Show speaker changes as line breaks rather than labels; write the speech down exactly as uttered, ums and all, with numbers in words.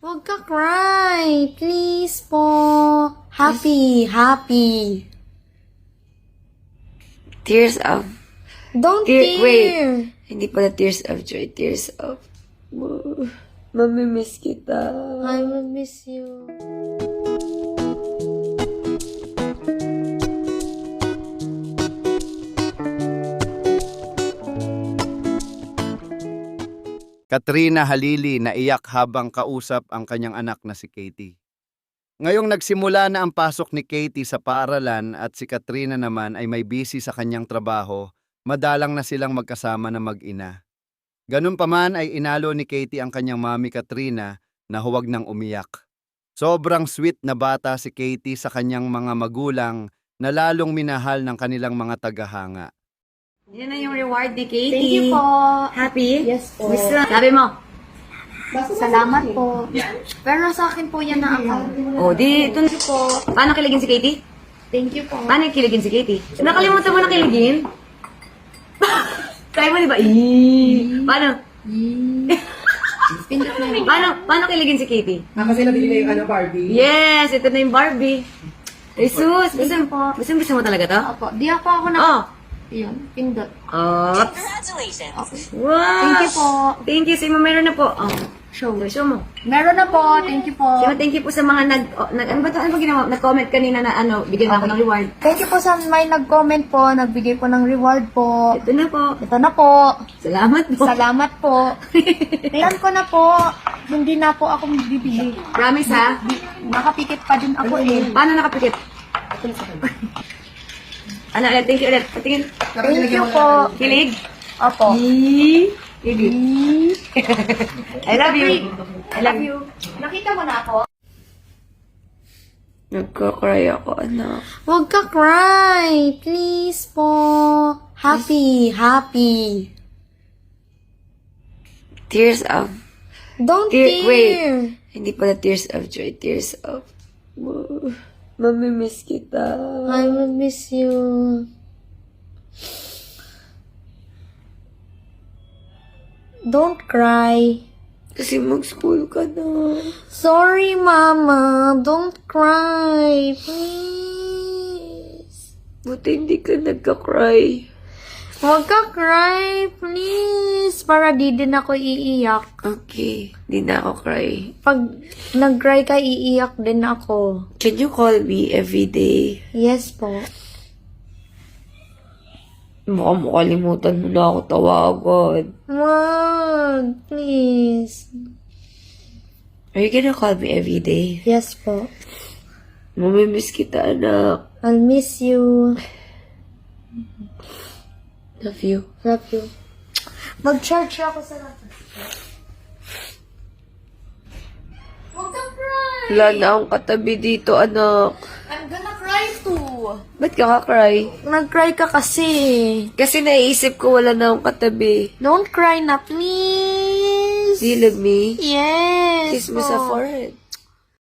Huwag ka cry. Please po. Happy, happy.
Tears of...
Don't
Tear,
tear.
wait. Hindi pala tears of joy. Tears of... Mamimiss kita.
I will miss you.
Katrina Halili naiyak habang kausap ang kanyang anak na si Katie. Ngayong nagsimula na ang pasok ni Katie sa paaralan at si Katrina naman ay may busy sa kanyang trabaho, madalang na silang magkasama na mag-ina. Ganun pa man ay inalo ni Katie ang kanyang mami Katrina na huwag nang umiyak. Sobrang sweet na bata si Katie sa kanyang mga magulang na lalong minahal ng kanilang mga tagahanga.
Yan na yung reward ni Katie.
Thank you po.
Happy?
Yes po.
Miss na- Sabi mo.
Salamat po. Pero sa akin po yan na account.
Oh, di, ito na po. Paano kiligin si Katie?
Thank you po.
Paano kiligin si Katie? Nakalimutan mo na kiligin? Kaya mo, di ba? Eee. Paano?
Pindot na yun.
Paano, paano kiligin si Katie?
Ah, kasi nabili na yung ano, Barbie.
Yes, ito na yung Barbie. Jesus, gusto mo, gusto mo, gusto mo talaga to?
Opo. Di ako ako na.
Oh.
Yun. Pindot.
Oh. Wow.
Thank you po.
Thank you. Si Mama, meron na po. Oh. Show mo. Show mo.
Meron na po. Thank you po.
Sino, thank you po sa mga nag, oh, nag ano ba to? Ano ba ginawa? Nag-comment kanina na ano, bigyan ako ng reward.
Thank you po sa may nag-comment po. Nagbigay po ng reward po.
Ito na po.
Ito na po.
Salamat po.
Salamat po. Plan ko na po. Hindi na po ako bibili.
Promise ha?
Nakapikit pa din ako eh.
Paano nakapikit? Ano ulit? Thank you ulit. Patingin.
Thank you po.
Kilig?
Opo.
Kilig. I love you. I love you.
Nakita mo na ako?
Nagka-cry ako, anak.
Huwag ka cry. Please po. Happy, happy.
Tears of...
Don't
Tear,
tear.
wait. Hindi pala tears of joy. Tears of... Mamimiss kita.
I will miss you. Don't cry.
Kasi mag-school ka na.
Sorry, Mama. Don't cry. Please.
Buti hindi ka nagka-cry.
Huwag ka cry, please. Para di din ako iiyak.
Okay. Di na ako cry.
Pag nag-cry ka, iiyak din ako.
Can you call me every day?
Yes po.
Mukhang makalimutan mo na ako tawagan.
Wag, please.
Are you gonna call me every day?
Yes po.
Mamimiss kita, anak.
I'll miss you.
Love you.
Love you. Mag-charge ako sa lahat. Huwag ka cry.
Wala na akong katabi dito, anak.
I'm gonna cry too.
Ba't ka ka-cry?
Nag-cry ka kasi.
Kasi naiisip ko wala na akong katabi.
Don't cry na, please.
Do you love me?
Yes.
Kiss mo
po.
sa forehead.